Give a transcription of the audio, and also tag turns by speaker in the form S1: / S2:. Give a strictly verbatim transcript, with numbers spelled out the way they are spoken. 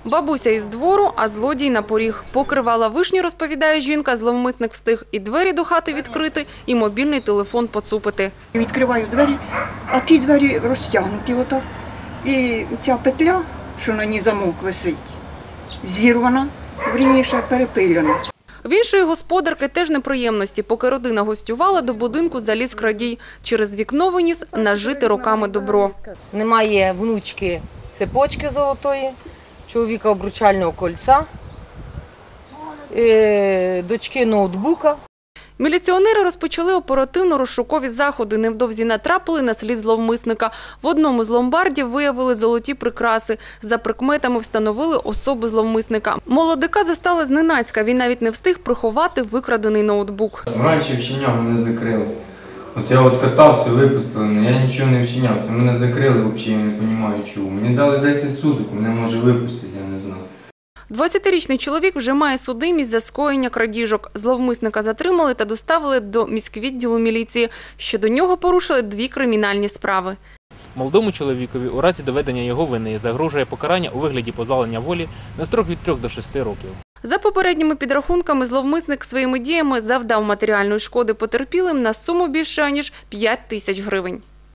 S1: Бабуся із двору, а злодій на поріг. Поки рвала вишні, розповідає жінка, зловмисник встиг і двері до хати відкрити, і мобільний телефон поцупити.
S2: Відкриваю двері, а ті двері розтягнуті отак. І ця петля, що на ній замок висить, зірвана, вірніше перепилена.
S1: В іншої господарки теж неприємності. Поки родина гостювала, до будинку заліз крадій. Через вікно виніс нажите роками добро.
S3: Немає внучки цепочки золотої, чоловіка обручального кольця, дочки ноутбука.
S1: Міліціонери розпочали оперативно-розшукові заходи. Невдовзі натрапили на слід зловмисника. В одному з ломбардів виявили золоті прикраси. За прикметами встановили особу зловмисника. Молодика застали зненацька. Він навіть не встиг приховати викрадений ноутбук.
S4: Раніше вчиняв, мене закрили. От я от катався, випустили, але я нічого не вчиняв. Це мене закрили, взагалі я не розумію чого. Мені дали десять суток, мене може випустити, я не знаю.
S1: двадцятирічний чоловік вже має судимість за скоєння крадіжок. Зловмисника затримали та доставили до міськвідділу міліції. Щодо нього порушили дві кримінальні справи.
S5: Молодому чоловікові у разі доведення його вини загрожує покарання у вигляді позбавлення волі на строк від трьох до шести років.
S1: За попередніми підрахунками, зловмисник своїми діями завдав матеріальної шкоди потерпілим на суму більше, ніж п'ять тисяч гривень.